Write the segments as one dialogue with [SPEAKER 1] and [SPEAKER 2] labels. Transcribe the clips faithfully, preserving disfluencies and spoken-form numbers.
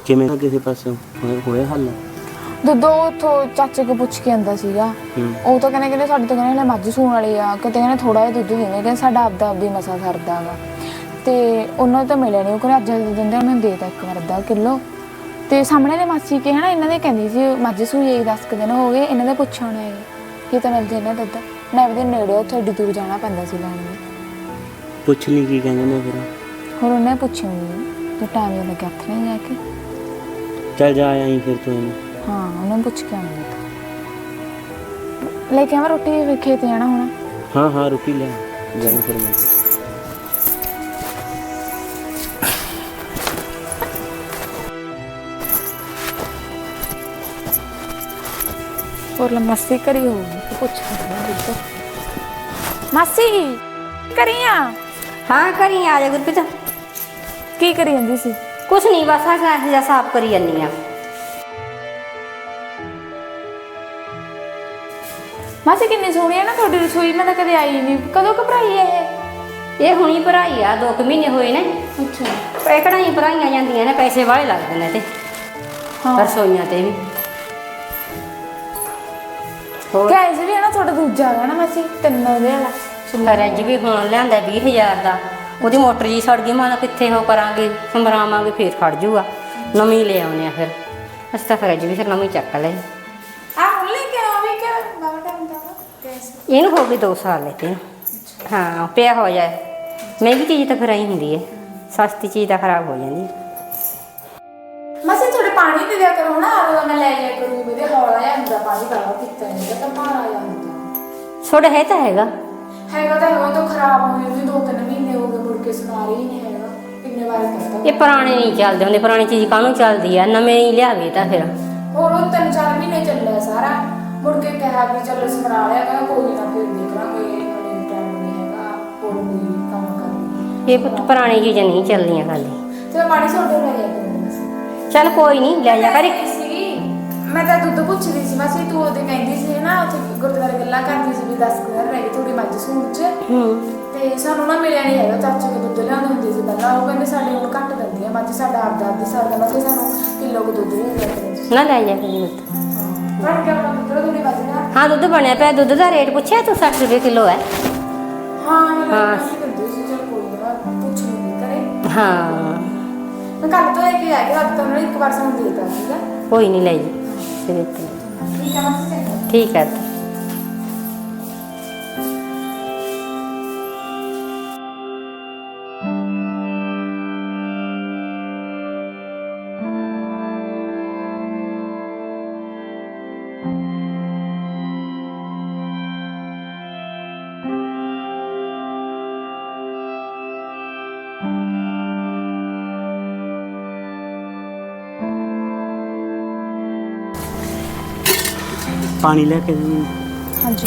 [SPEAKER 1] ਕਿਵੇਂ ਕਿਸੇ ਪਾਸੋਂ ਹੋਇਆ ਹੱਲ?
[SPEAKER 2] ਦੁੱਧ ਉੱਥੋਂ ਚਾਚੇ ਕੋ ਪੁੱਛ ਕੇ ਆਂਦਾ ਸੀਗਾ। ਉਹ ਤਾਂ ਕਹਿੰਦੇ ਕਹਿੰਦੇ ਸਾਡੇ ਤਾਂ ਕਹਿੰਦੇ ਹਲੇ ਮੱਝ ਸੂਣ ਵਾਲੀ ਆ, ਕਿਤੇ ਕਹਿੰਦੇ ਥੋੜਾ ਜਿਹਾ ਦੁੱਧ ਦਿੰਦੇ, ਕਹਿੰਦੇ ਸਾਡਾ ਆਪਦਾ ਆਪਦੀ ਮਸਾ ਸਰਦਾ ਗਾ। ਤੇ ਉਹਨਾਂ ਤਾਂ ਮਿਲਿਆ ਨਹੀਂ, ਉਹ ਕਹਿੰਦੇ ਅੱਜ ਦੇ ਦਿੰਦੇ ਮੈਂ ਦੇ ਤਾ ਇੱਕ ਵਾਰ ਅੱਧਾ ਕਿਲੋ। ਤੇ ਸਾਹਮਣੇ ਦੇ ਮਾਸੀ ਕੇ ਹਨਾ ਇਹਨਾਂ ਦੇ ਕਹਿੰਦੀ ਸੀ ਮੱਝ ਸੂਈ ਦਸ ਕੁ ਦਿਨ ਹੋ ਗਏ, ਇਹਨਾਂ ਦੇ ਪੁੱਛ ਆਉਣਾ ਹੈਗੇ ਕੀ ਤਾਂ ਮਿਲ ਜਾਂਦਾ ਦੁੱਧ। ਨਵੇਂ ਦੇ ਨੇੜੇ ਉੱਥੇ ਏਡੀ ਦੂਰ ਜਾਣਾ ਪੈਂਦਾ ਸੀ ਲੈਣ ਨੂੰ।
[SPEAKER 1] ਪੁੱਛ ਲਈ ਕੀ ਕਹਿੰਦੇ ਨੇ ਫਿਰ?
[SPEAKER 2] ਹੋਰ ਉਹਨੇ ਪੁੱਛਿਆ ਨਹੀਂ ਤੇ ਟਾਈਮ ਜਿਹਾ ਲੱਗਿਆ ਹੱਥ ਨਹੀਂ ਜਾ ਕੇ।
[SPEAKER 1] ਚੱਲ ਜਾ ਆਈ ਫਿਰ ਤੂੰ।
[SPEAKER 2] ਹਾਂ ਉਹਨੂੰ ਪੁੱਛ ਕੇ ਆਉਂਦਾ ਲੈ ਕੇ ਆਵਾਂ ਰੋਟੀ, ਫਿਰ ਖੇਤ ਜਾਣਾ ਹੁਣ।
[SPEAKER 1] ਹਾਂ ਹਾਂ ਰੋਟੀ ਲੈ ਜਾਈਂ ਫਿਰ ਮੈਂ।
[SPEAKER 2] ਹੋਰ ਮਾਸੀ ਕਰੀ ਹੋਊਗੀ ਤੇ ਪੁੱਛ ਲੈਂਦੇ ਮਾਸੀ ਕਰੀ ਆ।
[SPEAKER 3] ਹਾਂ ਕਰੀ ਆ ਜਾ ਗੁਰਪ੍ਰੀਤ।
[SPEAKER 2] ਕੀ ਕਰੀ ਜਾਂਦੀ ਸੀ?
[SPEAKER 3] ਕੁਛ ਨਹੀਂ ਬਸ ਆ ਗੈਸ ਜਿਹਾ ਸਾਫ਼ ਕਰੀ ਜਾਂਦੀ ਆ।
[SPEAKER 2] ਮਾਸੀ ਕਿੰਨੀ ਸੋਹਣੀ ਹੈ ਨਾ ਤੁਹਾਡੀ ਰਸੋਈ, ਮੈਂ ਤਾਂ ਕਦੇ ਆਈ ਨਹੀਂ। ਕਦੋਂ ਘਬਰਾਈ ਹੈ ਇਹ?
[SPEAKER 3] ਇਹ ਹੁਣੀ ਭਰਾਈ ਆ, ਦੋ ਕੁ ਮਹੀਨੇ ਹੋਏ ਨੇ।
[SPEAKER 2] ਅੱਛਾ
[SPEAKER 3] ਇਹ ਕਢਾਈ ਭਰਾਈਆਂ ਜਾਂਦੀਆਂ ਨੇ, ਪੈਸੇ ਵਾਲੇ ਲੱਗਦੇ ਨੇ ਤੇ
[SPEAKER 2] ਹਾਂ
[SPEAKER 3] ਰਸੋਈਆਂ ਤੇ ਵੀ। ਹੋਰ
[SPEAKER 2] ਗੈਸ ਵੀ ਹੈ ਨਾ ਤੁਹਾਡਾ ਦੂਜਾ ਹੈਗਾ ਨਾ ਮਾਸੀ, ਤਿੰਨ ਉਹਦੇ ਵਾਲਾ
[SPEAKER 3] ਫਰਿੱਜ ਵੀ ਹੁਣ ਲਿਆਂਦਾ ਵੀਹ ਹਜ਼ਾਰ ਦਾ। ਉਹਦੀ ਮੋਟਰ ਜੀ ਸੜ ਗਈ, ਮਾਂ ਕਿੱਥੇ ਉਹ ਕਰਾਂਗੇ ਸਮਰਾਵਾਂਗੇ, ਫੇਰ ਖੜ ਜੂਗਾ। ਨਵੀਂ ਲੈ ਆਉਣੇ ਆ ਫਿਰ ਅਸੀਂ ਤਾਂ ਫਰਿੱਜ ਵੀ ਫਿਰ ਨਵੀਂ ਚੱਕ ਲਈ।
[SPEAKER 2] ਆ ਹੁਣ ਲੈ ਕੇ ਆਵੇ ਕਿ ਬਾਬਾ ਟਾਈਮ ਦਾ ਗੈਸ?
[SPEAKER 3] ਇਹਨੂੰ ਹੋ ਗਏ ਦੋ ਸਾਲ ਲੈ ਕੇ। ਹਾਂ ਪਿਆ ਹੋ ਜਾਏ, ਮਹਿੰਗੀ ਚੀਜ਼ ਤਾਂ ਫਿਰ ਆਈ ਹੁੰਦੀ ਹੈ, ਸਸਤੀ ਚੀਜ਼ ਤਾਂ ਖਰਾਬ ਹੋ ਜਾਂਦੀ।
[SPEAKER 2] ਮਾਸੀ ਥੋੜੇ ਪਾਣੀ ਦੇ ਦਿਆ ਕਰੋ ਨਾ, ਆਰੋ ਮੈਂ ਲੈ ਲਿਆ ਕਰੂੰ, ਮੇਰੇ ਹੌਲਾ ਜਿਹਾ ਹੁੰਦਾ ਪਾਣੀ ਬਾਹਰ ਪੀਤਾ ਨਹੀਂ ਤਾਂ ਭਾਰਾ ਜਿਹਾ ਹੁੰਦਾ।
[SPEAKER 3] ਛੋਟਾ ਹੈ ਤਾਂ ਹੈਗਾ
[SPEAKER 2] ਹੈਗਾ ਤਾਂ ਉਹ ਤਾਂ ਖਰਾਬ ਹੋਏ ਵੀ ਦੋ ਤਿੰਨ ਮਹੀਨੇ ਹੋ ਗਏ, ਮੁੜ ਕੇ ਸੁਣਾ ਰਹੀ ਨਹੀਂ ਹੈਗਾ। ਕਿੰਨੇ ਵਾਰ ਕਰਤਾ
[SPEAKER 3] ਇਹ ਪੁਰਾਣੇ ਨਹੀਂ ਚੱਲਦੇ ਹੁੰਦੇ, ਪੁਰਾਣੀ ਚੀਜ਼ ਕਾਹਨੂੰ ਚੱਲਦੀ ਆ, ਨਵੇਂ ਹੀ ਲਿਆਵੇ ਤਾਂ ਫਿਰ।
[SPEAKER 2] ਹੋਰ ਉਹ ਤਿੰਨ ਚਾਰ ਮਹੀਨੇ ਚੱਲਿਆ ਸਾਰਾ, ਮੁੜ ਕੇ ਕਿਹਾ ਵੀ ਚੱਲ ਸਮਰਾ ਲਿਆ, ਕਹਿੰਦਾ ਕੋਈ ਨਾ ਫਿਰ ਦੇਖ ਲਾਂਗੇ, ਹਲੇ ਟਾਈਮ ਨਹੀਂ ਹੈਗਾ, ਹੋਰ ਕੋਈ ਕੰਮ ਕਰਨੀ।
[SPEAKER 3] ਇਹ ਪੁੱਤ ਪੁਰਾਣੀ ਚੀਜ਼ਾਂ ਨਹੀਂ ਚੱਲਦੀਆਂ ਖਾਲੀ।
[SPEAKER 2] ਤੇ ਪਾਣੀ ਸੋਡੇ ਲੈ ਜਾ ਕਰੂੰ।
[SPEAKER 3] ਚੱਲ ਕੋਈ ਨਹੀਂ ਲੈ ਜਾ ਕਰ।
[SPEAKER 2] ਮੈਂ ਤਾਂ ਦੁੱਧ ਪੁੱਛਦੀ ਸੀ ਮਾਸੀ, ਤੂੰ ਉਹਦੇ ਕਹਿੰਦੀ ਸੀ ਨਾ ਉੱਥੇ ਗੁਰਦੁਆਰੇ ਗੱਲਾਂ ਕਰਦੀ ਸੀ ਵੀ ਦਸ ਕੁ ਦਿਨ ਰਹਿ ਗਏ ਥੋੜੀ ਮੱਝ ਸੂਣ ਚ। ਤੇ ਸਾਨੂੰ ਨਾ ਮਿਲਿਆ ਨਹੀਂ ਹੈਗਾ, ਚਾਚੇ ਕੋਲ ਦੁੱਧ ਲਿਆਉਂਦੇ ਹੁੰਦੇ ਸੀ ਪਹਿਲਾਂ, ਉਹ ਕਹਿੰਦੇ ਸਾਡੇ ਹੁਣ ਘੱਟ ਦਿੰਦੀ ਆ ਮੱਝ, ਸਾਡਾ ਆਪਦਾ ਆਪਦੀ ਸਰਦਾ ਮਾਸੀ, ਸਾਨੂੰ ਕਿਲੋ ਕੁ ਦੁੱਧ ਦੇ ਦਿਆ ਕਰੋ।
[SPEAKER 3] ਨਾ ਲੈ ਜਾ ਕਰੀ ਪੁੱਤ।
[SPEAKER 2] ਬਣ ਗਿਆ ਆਪਣਾ ਦੁੱਧ ਥੋੜੀ ਮੱਝ ਦਾ।
[SPEAKER 3] ਹਾਂ ਦੁੱਧ ਬਣਿਆ ਪਿਆ, ਦੁੱਧ ਦਾ ਰੇਟ ਪੁੱਛਿਆ ਤੂੰ? ਸੱਠ ਰੁਪਏ ਕਿਲੋ ਹੈ।
[SPEAKER 2] ਹਾਂ ਮੈਂ ਕਹਿੰਦੀ ਸੀ ਚਲ ਕੋਈ ਨਾ ਪੁੱਛ ਲੂੰਗੀ ਘਰੇ।
[SPEAKER 3] ਹਾਂ
[SPEAKER 2] ਮੈਂ ਕੱਲ ਤੋਂ ਲੈ ਕੇ ਆ ਗਿਆ, ਅੱਜ ਤਾਂ ਉਹਨਾਂ ਨੇ ਇੱਕ ਵਾਰ ਸਾਨੂੰ ਦੇ ਦਿੱਤਾ ਸੀਗਾ।
[SPEAKER 3] ਕੋਈ ਨਹੀਂ ਲੈ ਜੀ ਸਿਰੇ ਤੇ।
[SPEAKER 2] ਠੀਕ ਹੈ ਮਾਸੀ।
[SPEAKER 3] ਠੀਕ ਹੈ।
[SPEAKER 1] ਪਾਣੀ ਲੈ ਕੇ ਦੇ।
[SPEAKER 2] ਹਾਂਜੀ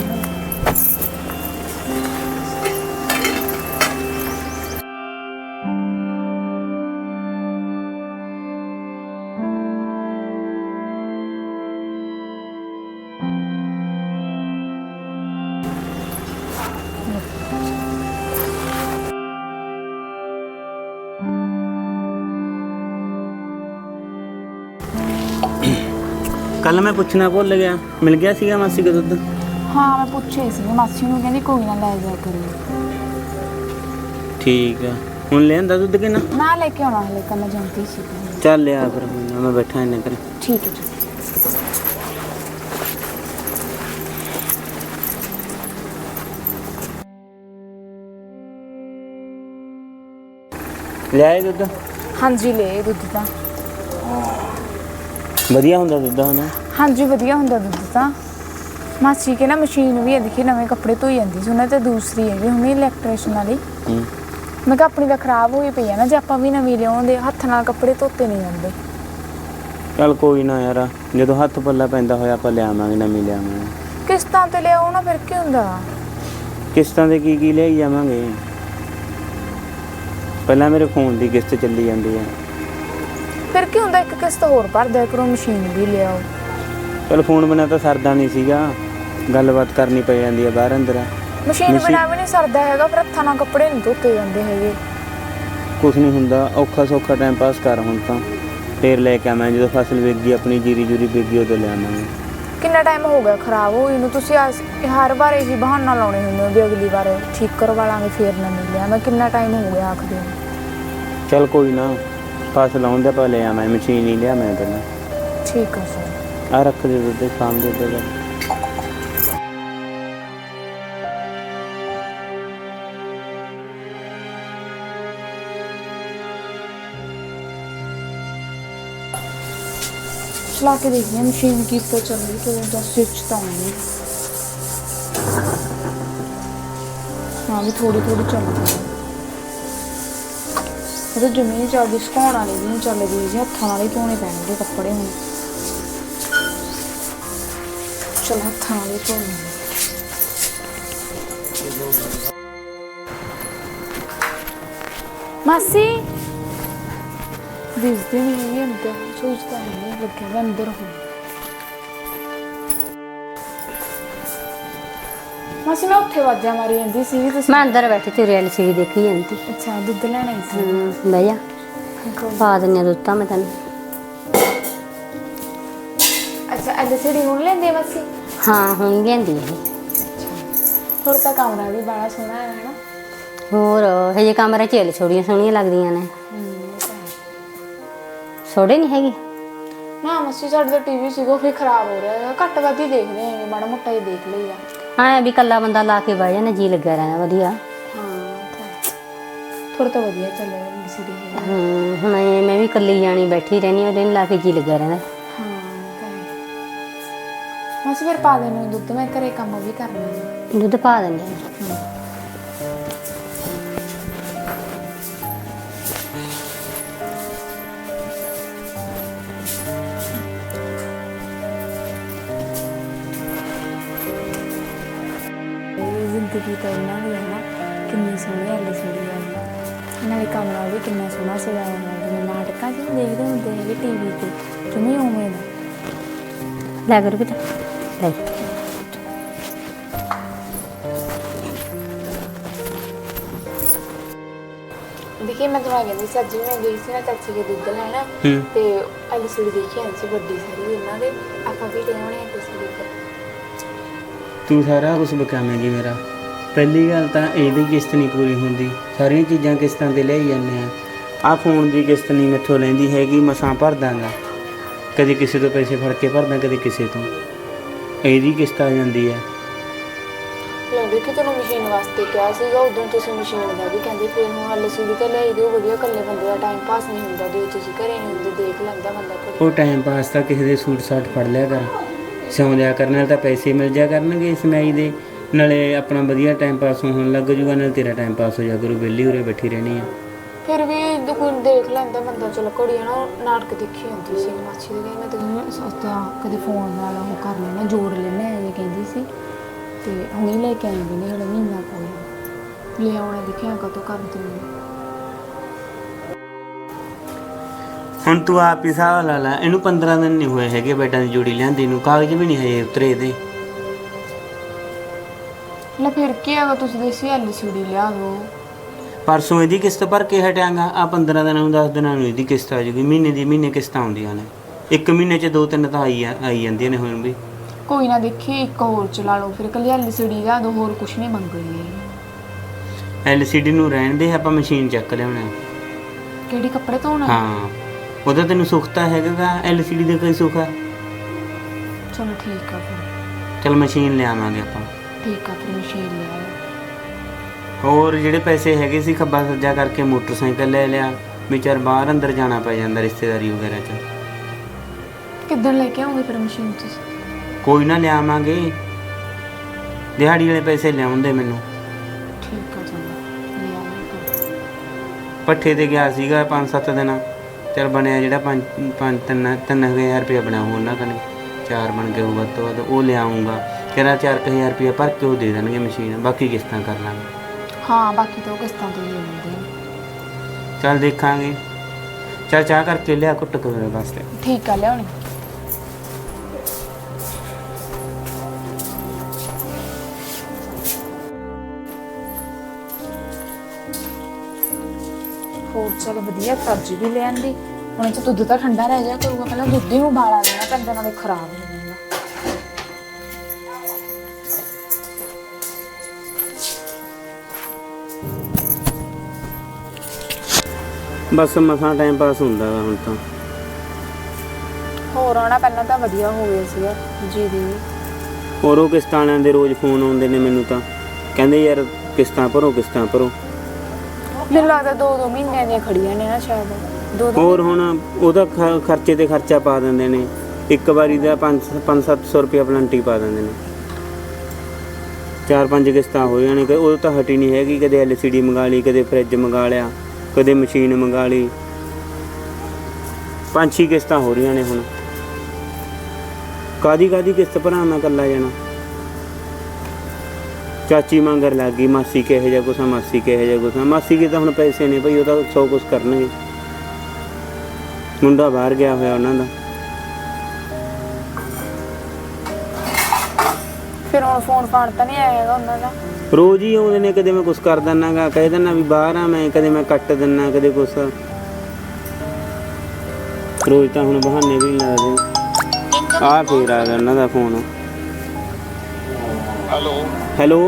[SPEAKER 1] ਕੱਲ ਮੈਂ ਪੁੱਛਣਾ ਭੁੱਲ ਗਿਆ, ਮਿਲ ਗਿਆ ਸੀਗਾ ਮਾਸੀ ਦਾ ਦੁੱਧ?
[SPEAKER 2] ਹਾਂ ਮੈਂ ਪੁੱਛਿਆ ਸੀ ਮਾਸੀ ਨੂੰ, ਕਹਿੰਦੀ ਕੋਈ ਨਾ ਲੈ ਜਾ ਕਰਿਓ।
[SPEAKER 1] ਠੀਕ ਆ, ਹੁਣ ਲਿਆਂਦਾ ਦੁੱਧ ਕਿ ਨਾ?
[SPEAKER 2] ਨਾ ਲੈ ਕੇ ਆਉਣਾ ਹਲੇ, ਕੱਲ ਮੈਂ ਜਾਂਦੀ ਸੀ।
[SPEAKER 1] ਚੱਲ ਲਿਆ ਫਿਰ, ਮੈਂ ਬੈਠਾ ਇੰਨੇ ਕਰ।
[SPEAKER 2] ਠੀਕ ਹੈ ਜੀ।
[SPEAKER 1] ਲਿਆਏ ਦੁੱਧ?
[SPEAKER 2] ਹਾਂਜੀ ਲੈ ਦੁੱਧ ਤਾਂ
[SPEAKER 1] ਵਧੀਆ ਹੁੰਦਾ ਦੁੱਧ ਹਨਾ?
[SPEAKER 2] ਹਾਂਜੀ ਵਧੀਆ ਹੁੰਦਾ ਦੁੱਧ ਤਾਂ। ਮਾਸੀ ਕੇ ਨਾ ਮਸ਼ੀਨ ਵੀ ਹੈ, ਦੇਖੀ ਨਵੇਂ ਕੱਪੜੇ ਧੋਈ ਜਾਂਦੀ ਸੀ ਉਹਨਾਂ ਤੇ, ਦੂਸਰੀ ਹੈਗੀ ਹੁਣੀ ਇਲੈਕਟ੍ਰੀਸ਼ਨ ਵਾਲੀ। ਮੈਂ ਕਿਹਾ ਆਪਣੀ ਤਾਂ ਖਰਾਬ ਹੋਈ ਪਈ ਆ ਨਾ, ਜੇ ਆਪਾਂ ਵੀ ਨਵੀਂ ਲਿਆਉਂਦੇ ਹੱਥ ਨਾਲ ਕੱਪੜੇ ਧੋਤੇ ਨਹੀਂ ਜਾਂਦੇ।
[SPEAKER 1] ਚੱਲ ਕੋਈ ਨਾ ਯਾਰ, ਜਦੋਂ ਹੱਥ ਪੱਲਾ ਪੈਂਦਾ ਹੋਇਆ ਆਪਾਂ ਲਿਆਵਾਂਗੇ, ਨਵੀਂ ਲਿਆਵਾਂਗੇ।
[SPEAKER 2] ਕਿਸ਼ਤਾਂ ਤੇ ਲਿਆਓ ਨਾ, ਫਿਰ ਕੀ ਹੁੰਦਾ?
[SPEAKER 1] ਕਿਸ਼ਤਾਂ ਤੇ ਕੀ ਕੀ ਲਿਆਈ ਜਾਵਾਂਗੇ? ਪਹਿਲਾਂ ਮੇਰੇ ਫੋਨ ਦੀ ਕਿਸ਼ਤ ਚੱਲੀ ਜਾਂਦੀ ਹੈ।
[SPEAKER 2] ਫਿਰ ਕੀ ਹੁੰਦਾ, ਇੱਕ ਕਿਸ਼ਤ ਹੋਰ ਭਰ ਦਿਆ ਕਰੋ, ਮਸ਼ੀਨ ਵੀ ਲਿਆਓ।
[SPEAKER 1] ਚਲ ਫੋਨ ਬਿਨਾਂ ਤਾਂ ਸਰਦਾ ਨਹੀਂ ਸੀਗਾ, ਗੱਲਬਾਤ ਕਰਨੀ ਪੈ ਜਾਂਦੀ ਹੈ ਬਾਹਰ ਅੰਦਰ।
[SPEAKER 2] ਮਸ਼ੀਨ ਬਿਨਾਂ ਵੀ ਨਹੀਂ ਸਰਦਾ ਹੈਗਾ, ਫਿਰ ਹੱਥਾਂ ਨਾਲ ਕੱਪੜੇ ਨਹੀਂ ਧੋਤੇ ਜਾਂਦੇ ਹੈਗੇ।
[SPEAKER 1] ਕੁਛ ਨਹੀਂ ਹੁੰਦਾ, ਔਖਾ ਸੌਖਾ ਟਾਈਮ ਪਾਸ ਕਰ ਹੁਣ ਤਾਂ। ਫੇਰ ਲੈ ਕੇ ਆਵਾਂਗੇ ਜਦੋਂ ਫਸਲ ਵਿਕ ਗਈ ਆਪਣੀ ਜੀਰੀ ਜੂਰੀ ਵਿਕ ਗਈ ਉਦੋਂ ਲਿਆਵਾਂਗੇ।
[SPEAKER 2] ਕਿੰਨਾ ਟਾਈਮ ਹੋ ਗਿਆ ਖਰਾਬ ਹੋਈ ਨੂੰ? ਤੁਸੀਂ ਆਸ- ਹਰ ਵਾਰ ਇਹੀ ਬਹਾਨਾ ਲਾਉਣੇ ਹੁੰਦੇ ਹੋ ਵੀ ਅਗਲੀ ਵਾਰ ਠੀਕ ਕਰਵਾ ਲਾਂਗੇ ਫੇਰ ਨਾ ਮਿਲਿਆ। ਮੈਂ ਕਿੰਨਾ ਟਾਈਮ ਹੋ ਗਿਆ ਆਖਦੇ ਨੂੰ।
[SPEAKER 1] ਚੱਲ ਕੋਈ ਨਾ, ਫਸਲ ਆਉਣ ਦੇ ਆਪਾਂ ਲੈ ਆਵਾਂ, ਮਸ਼ੀਨ ਹੀ ਲਿਆ ਮੈਂ ਪਹਿਲਾਂ।
[SPEAKER 2] ਠੀਕ ਆ ਸਰ।
[SPEAKER 1] ਆ ਰੱਖ ਦੇ ਦੁੱਧ ਸ਼ਾਮ ਦੇ ਦੁੱਧ।
[SPEAKER 2] ਚਲਾ ਕੇ ਦੇਖਦੇ ਹਾਂ ਮਸ਼ੀਨ ਕੀ ਤੋਂ ਚੱਲ ਰਹੀ ਕਿ ਉਹਦਾ ਸਵਿਚ ਤਾਂ ਨਹੀਂ। ਹਾਂ ਵੀ ਥੋੜੀ ਥੋੜੀ ਚੱਲਦੀ ਹੈ। ਉਹ ਜਿਵੇਂ ਨਹੀਂ ਚੱਲਦੀ, ਸੁਕਾਉਣ ਵਾਲੀ ਵੀ ਨਹੀਂ ਚੱਲਦੀ ਜੀ। ਹੱਥਾਂ ਨਾਲ ਹੀ ਧੋਣੇ ਪੈਣਗੇ ਕੱਪੜੇ ਹੁਣ। ਚਲ ਹੱਥਾਂ ਨਾਲ ਹੀ ਧੋਣੇ। ਮਾਸੀ ਦਿਸਦੇ ਨਹੀਂ ਹੈਗੇ ਅੰਦਰ, ਸੋਚਦਾ ਨਹੀਂ ਲੱਗਿਆ ਮੈਂ ਅੰਦਰ ਹੂੰ। ਮਾਸੀ ਮੈਂ ਉੱਥੇ ਵਾਜਾ ਮਾਰੀ ਜਾਂਦੀ ਸੀ ਤੁਸੀਂ।
[SPEAKER 3] ਮੈਂ ਅੰਦਰ ਬੈਠੀ ਤੇ ਐਲ ਸੀ ਡੀ ਦੇਖੀ ਜਾਂਦੀ।
[SPEAKER 2] ਅੱਛਾ ਦੁੱਧ ਲੈਣਾ ਸੀ।
[SPEAKER 3] ਹੂੰ ਬਹਿ ਜਾ, ਪਾ ਦਿੰਦੀ ਹਾਂ ਦੁੱਧ ਤਾਂ ਮੈਂ ਤੈਨੂੰ।
[SPEAKER 2] ਅੱਛਾ ਐਲ ਸੀ ਡੀ ਹੁਣ ਲੈਂਦੇ ਮਾਸੀ?
[SPEAKER 3] ਹਾਂ ਹੁਣ ਲਿਆਂਦੀ ਇਹ।
[SPEAKER 2] ਥੋੜਾ ਤਾਂ ਕਮਰਾ ਵੀ ਬੜਾ ਸੋਹਣਾ ਹੈ ਨਾ।
[SPEAKER 3] ਹੋਰ ਹਜੇ ਕਮਰੇ 'ਚ ਛੋੜੀਆਂ ਸੋਹਣੀਆਂ ਲੱਗਦੀਆਂ ਨੇ। ਛੋੜੇ ਨਹੀਂ ਹੈਗੀ
[SPEAKER 2] ਨਾ ਮਾਸੀ, ਸਾਡੇ ਤਾਂ ਟੀਵੀ ਸੀਗਾ ਉਹ ਵੀ ਖਰਾਬ ਹੋ ਰਿਹਾ, ਘੱਟ ਵੱਧ ਹੀ ਦੇਖਦੇ ਹੈਗੇ, ਮਾੜਾ ਮੋਟਾ ਹੀ ਦੇਖ ਲਈਦਾ।
[SPEAKER 3] ਹਾਂ ਵੀ ਇਕੱਲਾ ਬੰਦਾ ਲਾ ਕੇ ਬਹਿ ਜਾਣਾ, ਜੀ ਲੱਗਿਆ ਰਹਿੰਦਾ ਵਧੀਆ।
[SPEAKER 2] ਹਾਂ ਥੋੜਾ ਤਾਂ ਵਧੀਆ ਚੱਲ ਰਿਹਾ ਐਲ ਸੀ ਡੀ।
[SPEAKER 3] ਹੂੰ ਹੁਣ ਐਂ ਮੈਂ ਵੀ ਇਕੱਲੀ ਜਾਣੀ ਬੈਠੀ ਰਹਿੰਦੀ, ਉਹਦੇ ਨੂੰ ਲਾ ਕੇ ਜੀ ਲੱਗਿਆ ਰਹਿੰਦਾ।
[SPEAKER 2] ਹਾਂ ਮਾਸੀ ਫਿਰ ਪਾ ਦੇਣਾ ਦੁੱਧ, ਮੈਂ ਘਰੇ ਕੰਮ ਵੀ ਕਰਨਾ।
[SPEAKER 3] ਦੁੱਧ ਪਾ ਦਿੰਦੇ ਹਾਂ।
[SPEAKER 2] ਜ਼ਿੰਦਗੀ ਤਾਂ ਇਹਨਾਂ ਦੀ ਹੈ ਨਾ, ਕਿੰਨੀ ਸੋਹਣੀ ਐਲ ਸੀ ਡੀ ਆ। ਨਾਲੇ ਕਮਰਾ ਵੀ ਕਿੰਨਾ ਸੋਹਣਾ ਸਜਾਇਆ ਹੋਇਆ, ਜਿਵੇਂ ਨਾਟਕਾਂ 'ਚ ਦੇਖਦੇ ਹੁੰਦੇ ਹੈਗੇ ਟੀ ਵੀ 'ਤੇ, ਜਿਵੇਂ ਉਵੇਂ ਦਾ।
[SPEAKER 3] ਲੈ ਕਰੋ ਬੇਟਾ ਲੈ।
[SPEAKER 2] ਦੇਖੀ ਮੈਂ ਤੁਹਾਨੂੰ ਕਹਿੰਦੀ ਸੀ, ਅੱਜ ਵੀ ਮੈਂ ਗਈ ਸੀ ਨਾ ਚਾਚੀ ਦੇ ਦੁੱਧ ਲੈਣਾ, ਤੇ ਐਲ ਸੀ ਡੀ ਦੇਖੀ ਆਈ ਸੀ ਵੱਡੀ ਸਾਰੀ ਇਹਨਾਂ ਦੇ। ਆਪਾਂ ਵੀ ਲੈ ਆਉਣੇ ਆ ਕਿਸੇ ਦੇ।
[SPEAKER 1] ਤੂੰ ਸਾਰਾ ਕੁਝ ਬਕਾਵੇਂਗੀ ਮੇਰਾ। ਪਹਿਲੀ ਗੱਲ ਤਾਂ ਇਹਦੀ ਕਿਸ਼ਤ ਨਹੀਂ ਪੂਰੀ ਹੁੰਦੀ, ਸਾਰੀਆਂ ਚੀਜ਼ਾਂ ਕਿਸ਼ਤਾਂ 'ਤੇ ਲਿਆਈ ਜਾਂਦੇ ਆ। ਆਹ ਫੋਨ ਦੀ ਕਿਸ਼ਤ ਨਹੀਂ ਮੈਥੋਂ ਲੈਂਦੀ ਹੈਗੀ, ਮਸਾਂ ਭਰ ਦਾਂਗਾ। ਕਦੇ ਕਿਸੇ ਤੋਂ ਪੈਸੇ ਫੜ ਕੇ ਭਰਦਾ, ਕਦੇ ਕਿਸੇ ਤੋਂ। ਇਹਦੀ ਕਿਸ਼ਤ ਆ ਜਾਂਦੀ ਹੈ।
[SPEAKER 2] ਲੈ ਦੇਖੀ ਤੁਹਾਨੂੰ ਮਸ਼ੀਨ ਵਾਸਤੇ ਕਿਹਾ ਸੀਗਾ ਉਦੋਂ, ਤੁਸੀਂ ਮਸ਼ੀਨ ਦਾ ਵੀ ਕਹਿੰਦੇ, ਫਿਰ ਹੁਣ ਐਲ ਸੀ ਡੀ ਤਾਂ ਲਿਆਈ ਦਿਓ ਵਧੀਆ। ਇਕੱਲੇ ਬੰਦੇ ਦਾ ਟਾਈਮ ਪਾਸ ਨਹੀਂ ਹੁੰਦਾ, ਜੇ ਤੁਸੀਂ ਘਰੇ ਨਹੀਂ ਹੁੰਦੇ ਦੇਖ ਲੈਂਦਾ ਬੰਦਾ ਘਰੇ।
[SPEAKER 1] ਉਹ ਟਾਈਮ ਪਾਸ ਤਾਂ ਕਿਸੇ ਦੇ ਸੂਟ ਸਾਟ ਫੜ ਲਿਆ ਕਰ, ਸਿਉਂ ਲਿਆ ਕਰਨ ਨਾਲ ਤਾਂ ਪੈਸੇ ਮਿਲ ਜਾ ਕਰਨਗੇ ਇਸ ਸਿਲਾਈ ਦੇ। ਨਾਲੇ ਆਪਣਾ ਵਧੀਆ ਟਾਈਮ ਪਾਸ ਹੋਣ ਲੱਗ ਜੂਗਾ, ਨਾਲ ਤੇਰਾ ਟਾਈਮ ਪਾਸ ਹੋ ਜਾ ਕਰੂ। ਵਿਹਲੀ ਉਰੇ ਬੈਠੀ ਰਹਿਣੀ ਆ।
[SPEAKER 2] ਫਿਰ ਵੀ ਕੋਈ ਦੇਖ ਲੈਂਦਾ ਬੰਦਾ। ਚਲੋ ਘੜੀ ਨਾ ਨਾਟਕ ਦੇਖੀ ਹੁੰਦੀ ਸੀ ਮਾਛੀ ਦੇ, ਮੈਂ ਤਾਂ ਸੋਚਿਆ ਕਦੇ ਫੋਨ ਨਾਲ ਉਹ ਕਰ ਲੈਣਾ, ਜੋੜ ਲੈਣਾ ਇਹ ਕਹਿੰਦੀ ਸੀ। ਤੇ ਹੁਣੀ ਲੈ ਕੇ ਆਈ ਵੀ ਨਹੀਂ, ਹਲੇ ਮਹੀਨਾ ਕੋਈ ਲੈ ਆਉਣਾ। ਦੇਖਿਆ ਕਦੋਂ ਕਰ ਦਿੰਦੀ।
[SPEAKER 1] ਹੁਣ ਤੂੰ ਆਪ ਹੀ ਹਿਸਾਬ ਲਾ ਲਾ, ਇਹਨੂੰ ਪੰਦਰਾਂ ਦਿਨ ਨਹੀਂ ਹੋਏ ਹੈਗੇ ਬੈਡਾਂ ਦੀ ਜੋੜੀ ਲਿਆਂਦੀ ਨੂੰ, ਕਾਗਜ਼ ਵੀ ਨਹੀਂ ਹਜੇ ਉਤਰੇ ਇਹਦੇ।
[SPEAKER 2] ਲੈ ਫਿਰ ਕੀ ਹੈਗਾ, ਤੁਸੀਂ ਦੇਸੀ ਐਲ ਸੀ ਡੀ ਲਿਆ ਦਿਓ।
[SPEAKER 1] ਪਰਸੋਂ ਇਹਦੀ ਕਿਸ਼ਤ ਭਰ ਕੇ ਹਟਾਂਗਾ, ਆ ਪੰਦਰਾਂ ਦਿਨਾਂ ਨੂੰ ਦਸ ਦਿਨਾਂ ਨੂੰ ਇਹਦੀ ਕਿਸ਼ਤ ਆ ਜੂਗੀ। ਮਹੀਨੇ ਦੀ ਮਹੀਨੇ ਕਿਸ਼ਤਾਂ ਆਉਂਦੀਆਂ ਨੇ, ਇੱਕ ਮਹੀਨੇ 'ਚ ਦੋ ਤਿੰਨ ਤਾਂ ਆਈ ਆਈ ਜਾਂਦੀਆਂ ਨੇ ਹੁਣ ਵੀ।
[SPEAKER 2] ਕੋਈ ਨਾ ਦੇਖੀ ਇੱਕ ਹੋਰ ਚਲਾ ਲਓ ਫਿਰ, ਇਕੱਲੀ ਐਲ ਸੀ ਡੀ ਲਿਆ ਦਿਓ, ਹੋਰ ਕੁਛ ਨਹੀਂ ਮੰਗਣੀ।
[SPEAKER 1] ਐਲ ਸੀ ਡੀ ਨੂੰ ਰਹਿਣ ਦੇ, ਆਪਾਂ ਮਸ਼ੀਨ ਚੱਕ ਲਿਆਉਣਾ।
[SPEAKER 2] ਕਿਹੜੀ ਕੱਪੜੇ ਧੋਣਾ?
[SPEAKER 1] ਹਾਂ ਉਹਦਾ ਤੈਨੂੰ ਸੁੱਖ ਤਾਂ ਹੈਗਾ, ਐਲ ਸੀ ਡੀ ਦਾ ਕੋਈ ਸੁੱਖ ਆ?
[SPEAKER 2] ਚਲੋ ਠੀਕ ਆ ਫਿਰ।
[SPEAKER 1] ਚਲ ਮਸ਼ੀਨ ਲਿਆਵਾਂਗੇ ਆਪਾਂ।
[SPEAKER 2] ਠੀਕ ਆ ਫਿਰ ਮਸ਼ੀਨ ਲਿਆਓ।
[SPEAKER 1] ਹੋਰ ਜਿਹੜੇ ਪੈਸੇ ਹੈਗੇ ਸੀ ਖੱਬਾ ਸੱਜਾ ਕਰਕੇ ਮੋਟਰਸਾਈਕਲ ਲੈ ਲਿਆ, ਵਿਚਾਰ ਬਾਹਰ ਅੰਦਰ ਜਾਣਾ ਪੈ ਜਾਂਦਾ ਰਿਸ਼ਤੇਦਾਰੀ ਵਗੈਰਾ 'ਚ।
[SPEAKER 2] ਕਿੱਦਣ ਲੈ ਕੇ ਆਉਂਗੇ ਫਿਰ ਮਸ਼ੀਨ ਤੁਸੀਂ?
[SPEAKER 1] ਕੋਈ ਨਾ ਲਿਆਵਾਂਗੇ, ਦਿਹਾੜੀ ਵਾਲੇ ਪੈਸੇ ਲਿਆਉਂਦੇ ਮੈਨੂੰ।
[SPEAKER 2] ਠੀਕ ਆ ਚੰਗਾ ਲੈ ਆਵਾਂਗੇ।
[SPEAKER 1] ਪੱਠੇ ਤੇ ਗਿਆ ਸੀਗਾ ਪੰਜ ਸੱਤ ਦਿਨ, ਚਲ ਬਣਿਆ ਜਿਹੜਾ ਪੰਜ ਪੰਜ ਤਿੰਨ ਤਿੰਨ ਹਜ਼ਾਰ ਰੁਪਇਆ ਬਣਿਆ ਉਹਨਾਂ ਕਨੇ, ਚਾਰ ਬਣ ਗਏ ਵੱਧ ਤੋਂ ਵੱਧ। ਉਹ ਲਿਆਉਂਗਾ ਕਹਿੰਦਾ ਚਾਰ ਕੁ ਹਜ਼ਾਰ ਰੁਪਇਆ ਭਰ ਕੇ ਉਹ ਦੇ ਦੇਣਗੇ ਮਸ਼ੀਨ, ਬਾਕੀ ਕਿਸ਼ਤਾਂ ਕਰ ਲਾਂਗੇ।
[SPEAKER 2] ਹਾਂ ਬਾਕੀ ਤਾਂ ਉਹ ਕਿਸ਼ਤਾਂ ਤੋਂ ਹੀ ਮਿਲਦੇ ਆ।
[SPEAKER 1] ਚੱਲ ਦੇਖਾਂਗੇ। ਚੱਲ ਚਾਹ ਕਰਕੇ ਲਿਆ ਕੁੱਟ ਕੇ ਮੇਰੇ ਵਾਸਤੇ।
[SPEAKER 2] ਠੀਕ ਆ ਲਿਆਉਣੀ। ਹੋਰ ਚਲ ਵਧੀਆ, ਸਬਜ਼ੀ ਵੀ ਲੈ ਆਂਦੀ, ਉਹਨਾਂ 'ਚ ਦੁੱਧ ਤਾਂ ਠੰਡਾ ਰਹਿ ਜਾਇਆ ਕਰੂਗਾ, ਪਹਿਲਾਂ ਦੁੱਧ ਹੀ ਨੂੰ ਉਬਾਲਾ ਦੇਣਾ ਪੈਂਦਾ, ਨਾਲੇ ਖਰਾਬ ਹੋ ਜਾਂਦਾ।
[SPEAKER 1] ਬਸ ਮਸਾਂ ਟਾਈਮ ਪਾਸ ਹੁੰਦਾ ਵਾ ਹੁਣ ਤਾਂ।
[SPEAKER 2] ਹੋਰ ਆਉਣਾ ਪਹਿਲਾਂ ਤਾਂ ਵਧੀਆ ਹੋ ਗਿਆ ਸੀਗਾ ਜੀ ਦੀ।
[SPEAKER 1] ਹੋਰ ਉਹ ਕਿਸ਼ਤਾਂ ਵਾਲਿਆਂ ਦੇ ਰੋਜ਼ ਫੋਨ ਆਉਂਦੇ ਨੇ ਮੈਨੂੰ ਤਾਂ, ਕਹਿੰਦੇ ਯਾਰ ਕਿਸ਼ਤਾਂ ਭਰੋ ਕਿਸ਼ਤਾਂ ਭਰੋ।
[SPEAKER 2] ਮੈਨੂੰ ਲੱਗਦਾ ਦੋ ਦੋ ਮਹੀਨਿਆਂ ਦੀਆਂ ਖੜੀਆਂ ਨੇ ਨਾ ਸ਼ਾਇਦ, ਦੋ ਦੋ।
[SPEAKER 1] ਹੋਰ ਹੁਣ ਉਹਦਾ ਖ- ਖਰਚੇ ਤੇ ਖਰਚਾ ਪਾ ਦਿੰਦੇ ਨੇ, ਇੱਕ ਵਾਰੀ ਦਾ ਪੰਜ ਪੰਜ ਸੱਤ ਸੌ ਰੁਪਇਆ ਪਲੰਟੀ ਪਾ ਦਿੰਦੇ ਨੇ। ਚਾਰ ਪੰਜ ਕਿਸ਼ਤਾਂ ਹੋ ਜਾਣ, ਉਹ ਤਾਂ ਹਟੀ ਨਹੀਂ ਹੈਗੀ। ਕਦੇ ਐਲ ਸੀ ਡੀ ਮੰਗਾ ਲਈ, ਕਦੇ ਫਰਿੱਜ ਮੰਗਾ ਲਿਆ, ਕਦੇ ਮਸ਼ੀਨ ਮੰਗਾ ਲਈ। ਪੰਜ ਛੇ ਕਿਸ਼ਤਾਂ ਹੋ ਰਹੀਆਂ ਨੇ ਹੁਣ। ਕਾਦੀ ਕਾਦੀ ਕਿਸ਼ਤ ਭਰਾ ਮੈਂ ਇਕੱਲਾ ਜਾਣਾ। ਚਾਚੀ ਮੰਗਰ ਲੱਗ ਗਈ, ਮਾਸੀ ਕਿਹੋ ਜਿਹਾ ਕੁਛ ਆ, ਮਾਸੀ ਕਿਹੋ ਜਿਹਾ ਕੁਛ ਆ। ਮਾਸੀ ਕੇ ਤਾਂ ਹੁਣ ਪੈਸੇ ਨੇ ਭਾਈ, ਉਹ ਤਾਂ ਸੌ ਕੁਛ ਕਰਨਗੇ। ਮੁੰਡਾ ਬਾਹਰ ਗਿਆ ਹੋਇਆ ਉਹਨਾਂ ਦਾ।
[SPEAKER 2] ਫਿਰ ਹੁਣ ਫੋਨ ਫਾਨ ਤਾਂ ਨਹੀਂ ਆਇਆ ਹੈਗਾ ਉਹਨਾਂ ਦਾ?
[SPEAKER 1] ਰੋਜ਼ ਹੀ ਆਉਂਦੇ ਨੇ, ਕਦੇ ਮੈਂ ਕੁਛ ਕਰ ਦਿੰਦਾ ਗਾ, ਕਹਿ ਦਿੰਦਾ ਵੀ ਬਾਹਰ ਆ ਮੈਂ, ਕਦੇ ਮੈਂ ਕੱਟ ਦਿੰਦਾ, ਕਦੇ ਕੁਛ। ਰੋਜ਼ ਤਾਂ ਹੁਣ ਬਹਾਨੇ ਵੀ ਨਹੀਂ ਲੱਗਦੇ। ਆ ਫੇਰ ਆ ਗਿਆ ਉਹਨਾਂ ਦਾ phone.
[SPEAKER 4] Hello
[SPEAKER 1] hello,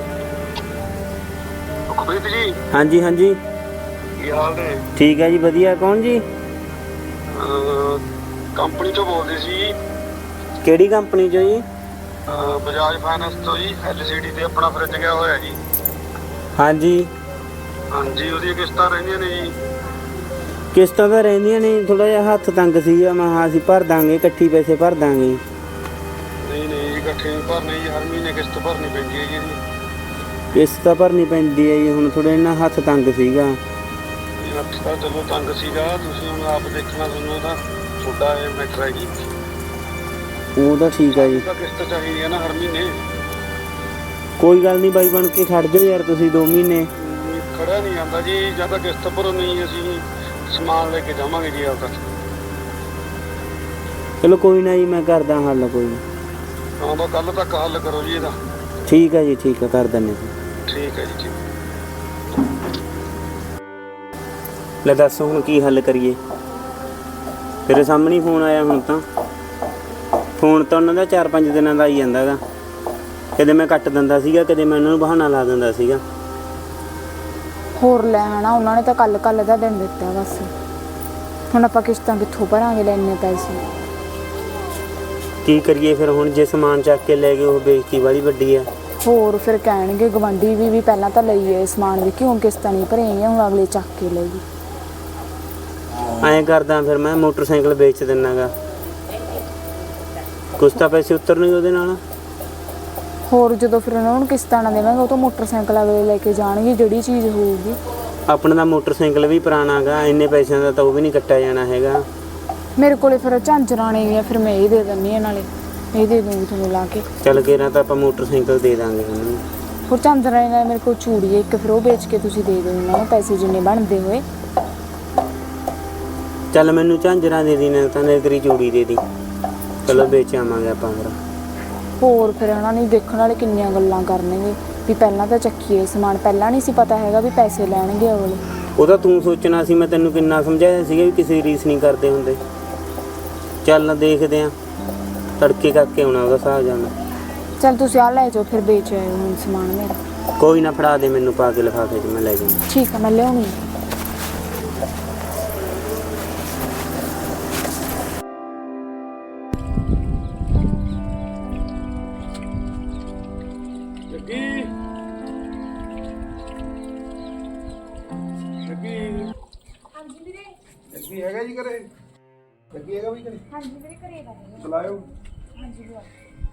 [SPEAKER 4] Sukhbir ji,
[SPEAKER 1] ਹਾਂਜੀ ਹਾਂਜੀ,
[SPEAKER 4] ਕੀ ਹਾਲ ਨੇ?
[SPEAKER 1] ਠੀਕ ਹੈ ਜੀ, ਵਧੀਆ। ਕੌਣ ਜੀ?
[SPEAKER 4] ਅਹ, ਕੰਪਨੀ ਤੋਂ ਬੋਲਦੇ ਸੀ।
[SPEAKER 1] ਕਿਹੜੀ ਕੰਪਨੀ ਚੋਂ ਜੀ?
[SPEAKER 4] ਅਹ, ਬਜਾਜ ਫਾਈਨੈਂਸ ਤੋਂ ਜੀ। ਐਲ ਸੀ ਡੀ ਤੇ ਆਪਣਾ ਫਰਿੱਜ ਗਿਆ ਹੋਇਆ ਜੀ।
[SPEAKER 1] ਹਾਂਜੀ,
[SPEAKER 4] ਹਾਂਜੀ, ਉਹਦੀਆਂ ਕਿਸ਼ਤਾਂ ਰਹਿੰਦੀਆਂ ਨੇ ਜੀ।
[SPEAKER 1] ਕਿਸ਼ਤਾਂ ਤਾਂ ਰਹਿੰਦੀਆਂ ਨੇ, ਥੋੜਾ ਜਿਹਾ ਹੱਥ ਤੰਗ ਸੀਗਾ। ਮੈਂ ਹਾਂ ਅਸੀਂ ਭਰ ਦਾਂਗੇ, ਇਕੱਠੀ ਪੈਸੇ ਭਰ ਦਾਂਗੇ।
[SPEAKER 4] ਨਹੀਂ ਨਹੀਂ ਜੀ, ਇਕੱਠੇ ਨਹੀਂ ਭਰਨੇ ਜੀ, ਹਰ ਮਹੀਨੇ ਕਿਸ਼ਤ ਭਰਨੀ ਪੈਂਦੀ ਹੈ ਜੀ ਇਹਦੀ।
[SPEAKER 1] ਕਿਸ਼ਤ ਤਾਂ ਭਰਨੀ ਪੈਂਦੀ ਹੈ ਜੀ, ਹੁਣ ਥੋੜਾ ਨਾ ਹੱਥ ਤੰਗ ਸੀਗਾ।
[SPEAKER 4] ਇਹ ਹੱਥ ਤਾਂ ਚਲੋ ਤੰਗ ਸੀਗਾ, ਤੁਸੀਂ ਹੁਣ ਆਪ ਦੇਖਣਾ, ਤੁਹਾਨੂੰ ਤਾਂ ਤੁਹਾਡਾ ਇਹ ਮੈਟਰ ਹੈ ਜੀ।
[SPEAKER 1] ਉਹ ਤਾਂ ਠੀਕ ਹੈ ਜੀ,
[SPEAKER 4] ਤਾਂ ਕਿਸ਼ਤ ਚਾਹੀਦੀ ਹੈ ਨਾ ਹਰ ਮਹੀਨੇ।
[SPEAKER 1] ਕੋਈ ਗੱਲ ਨਹੀਂ ਬਾਈ, ਬਣ ਕੇ ਖੜ ਜਾਓ ਯਾਰ ਤੁਸੀਂ ਦੋ ਮਹੀਨੇ।
[SPEAKER 4] ਖੜਾ ਨਹੀਂ ਆਉਂਦਾ ਜੀ, ਜਾਂ ਤਾਂ ਕਿਸ਼ਤ ਭਰੋ, ਨਹੀਂ ਅਸੀਂ ਸਮਾਨ ਲੈ ਕੇ ਜਾਵਾਂਗੇ ਜੀ ਆਪਦਾ।
[SPEAKER 1] ਚਲੋ ਕੋਈ ਨਾ ਜੀ, ਮੈਂ ਕਰਦਾ ਹੱਲ ਕੋਈ ਨਾ।
[SPEAKER 4] ਹਾਂ ਬਸ ਕੱਲ ਤੱਕ ਹੱਲ ਕਰੋ ਜੀ ਇਹਦਾ।
[SPEAKER 1] ਠੀਕ ਹੈ ਜੀ, ਠੀਕ ਹੈ, ਕਰ ਦਿੰਦੇ ਜੀ।
[SPEAKER 4] ਠੀਕ ਹੈ ਜੀ, ਠੀਕ।
[SPEAKER 1] ਲੈ ਦੱਸ ਹੁਣ ਕੀ ਹੱਲ ਕਰੀਏ? ਤੇਰੇ ਸਾਹਮਣੇ ਫੋਨ ਆਇਆ ਹੁਣ ਤਾਂ। ਫੋਨ ਤਾਂ ਉਹਨਾਂ ਦਾ ਚਾਰ ਪੰਜ ਦਿਨਾਂ ਦਾ ਆਈ ਜਾਂਦਾ ਗਾ। ਕਦੇ ਮੈਂ ਕੱਟ ਦਿੰਦਾ ਸੀਗਾ, ਕਦੇ ਮੈਂ ਉਹਨਾਂ ਨੂੰ ਬਹਾਨਾ ਲਾ ਦਿੰਦਾ ਸੀਗਾ।
[SPEAKER 2] ਹੋਰ ਲੈ ਆਣਾ, ਉਹਨਾਂ ਨੇ ਤਾਂ ਕੱਲ ਕੱਲ ਦਾ ਦਿਨ ਦਿੱਤਾ ਬਸ। ਹੁਣ ਆਪਾਂ ਕਿਸ਼ਤਾਂ ਕਿੱਥੋਂ ਭਰਾਂਗੇ ਲੈ ਇੰਨੇ ਪੈਸੇ?
[SPEAKER 1] ਕੀ ਕਰੀਏ ਫਿਰ ਹੁਣ? ਜੇ ਸਮਾਨ ਚੱਕ ਕੇ ਲੈ ਗਏ, ਉਹ ਬੇਇੱਜ਼ਤੀ ਵਾਲੀ ਵੱਡੀ ਆ।
[SPEAKER 2] ਹੋਰ ਫਿਰ ਕਹਿਣਗੇ ਗਵਾਂਢੀ ਵੀ ਵੀ ਪਹਿਲਾਂ ਤਾਂ ਲਈਏ ਸਮਾਨ ਵੀ, ਕਿਉਂ ਕਿਸ਼ਤਾਂ ਨਹੀਂ ਭਰੀਆਂ, ਹੁਣ ਅਗਲੇ ਚੱਕ ਕੇ ਲਈ।
[SPEAKER 1] ਐਂ ਕਰਦਾ ਫਿਰ ਮੈਂ ਮੋਟਰਸਾਈਕਲ ਵੇਚ ਦਿੰਦਾ ਗਾ, ਕੁਛ ਤਾਂ ਪੈਸੇ ਉਤਰਨਗੇ ਉਹਦੇ ਨਾਲ।
[SPEAKER 2] ਹੋਰ ਜਦੋਂ ਫਿਰ ਉਹਨਾਂ ਨੂੰ ਕਿਸ਼ਤਾਂ ਨਾ ਦੇਵਾਂਗੇ, ਉਹ ਤਾਂ ਮੋਟਰਸਾਈਕਲ ਅਗਲੇ ਲੈ ਕੇ ਜਾਣਗੇ ਜਿਹੜੀ ਚੀਜ਼ ਹੋਊਗੀ।
[SPEAKER 1] ਆਪਣਾ ਦਾ ਮੋਟਰਸਾਈਕਲ ਵੀ ਪੁਰਾਣਾ ਗਾ, ਇੰਨੇ ਪੈਸਿਆਂ ਦਾ ਤਾਂ ਉਹ ਵੀ ਨਹੀਂ ਕੱਟਿਆ ਜਾਣਾ ਹੈਗਾ।
[SPEAKER 2] ਮੇਰੇ ਕੋਲੇ ਫਿਰ ਝਾਂਜਰਾਂ ਨੇ, ਫਿਰ ਮੈਂ ਇਹ ਦੇ ਦਿੰਦੀ ਹਾਂ, ਨਾਲੇ ਇਹ ਦੇ ਦੂੰਗੀ ਤੁਹਾਨੂੰ ਲਾ ਕੇ।
[SPEAKER 1] ਚੱਲ ਕੇ ਨਾ ਤਾਂ ਆਪਾਂ ਮੋਟਰਸਾਈਕਲ ਦੇ ਦਾਂਗੇ ਉਹਨਾਂ ਨੂੰ।
[SPEAKER 2] ਹੋਰ ਝਾਂਜਰਾਂ ਨਾਲ ਮੇਰੇ ਕੋਲ ਚੂੜੀ ਹੈ ਇੱਕ, ਫਿਰ ਉਹ ਵੇਚ ਕੇ ਤੁਸੀਂ ਦੇ ਦਿਓ ਉਹਨਾਂ ਨੂੰ ਪੈਸੇ ਜਿੰਨੇ ਬਣਦੇ ਹੋਏ।
[SPEAKER 1] ਚੱਲ ਮੈਨੂੰ ਝਾਂਜਰਾਂ ਦੇ ਦੀ, ਨਾ ਤਾਂ ਤੇਰੀ ਚੂੜੀ ਦੇ ਦੀ। ਚਲੋ ਵੇਚ ਆਵਾਂਗੇ ਆਪਾਂ ਫਿਰ।
[SPEAKER 2] ਹੋਰ ਫਿਰ ਉਹਨਾਂ ਨੇ ਦੇਖਣ ਵਾਲੇ ਕਿੰਨੀਆਂ ਗੱਲਾਂ ਕਰਨਗੇ ਵੀ ਪਹਿਲਾਂ ਤਾਂ ਚੱਕੀਏ ਸਮਾਨ, ਪਹਿਲਾਂ ਨਹੀਂ ਸੀ ਪਤਾ ਹੈਗਾ ਵੀ ਪੈਸੇ ਲੈਣਗੇ ਅਗਲੇ।
[SPEAKER 1] ਉਹ ਤਾਂ ਤੂੰ ਸੋਚਣਾ ਸੀ, ਮੈਂ ਤੈਨੂੰ ਕਿੰਨਾ ਸਮਝਾਇਆ ਸੀਗਾ ਵੀ ਕਿਸੇ ਦੀ ਰੀਸ ਨਹੀਂ ਕਰਦੇ ਹੁੰਦੇ। ਚੱਲ ਦੇਖਦੇ ਆਂ, ਤੜਕੇ ਕਰਕੇ ਆਉਣਾ ਉਹਦਾ ਹਿਸਾਬ ਜਾਣਾ।
[SPEAKER 2] ਚੱਲ ਤੁਸੀਂ ਆ ਲੈ ਜਾਓ, ਫਿਰ ਵੇਚ ਆਇਓ ਹੁਣ ਸਮਾਨ ਮੇਰਾ।
[SPEAKER 1] ਕੋਈ ਨਾ, ਫੜਾ ਦੇ ਮੈਨੂੰ ਪਾ ਕੇ ਲਿਫਾਫੇ 'ਚ, ਮੈਂ ਲੈ ਜਾਊਂ।
[SPEAKER 2] ਠੀਕ ਆ, ਮੈਂ ਲਿਆਉਣੀ।
[SPEAKER 4] ਜੱਗੀ ਜੱਗੀ ਹਾਂਜੀ ਵੀਰੇ। ਜੱਗੀ ਹੈਗਾ ਜੀ ਘਰੇ? ਜੱਗੀ ਹੈਗਾ ਵੀ ਘਰੇ?
[SPEAKER 2] ਹਾਂਜੀ ਵੀਰੇ ਘਰੇ ਦਾ ਹੈ।
[SPEAKER 4] ਬੁਲਾਇਓ।
[SPEAKER 2] ਹਾਂਜੀ ਬੁਲਾਓ।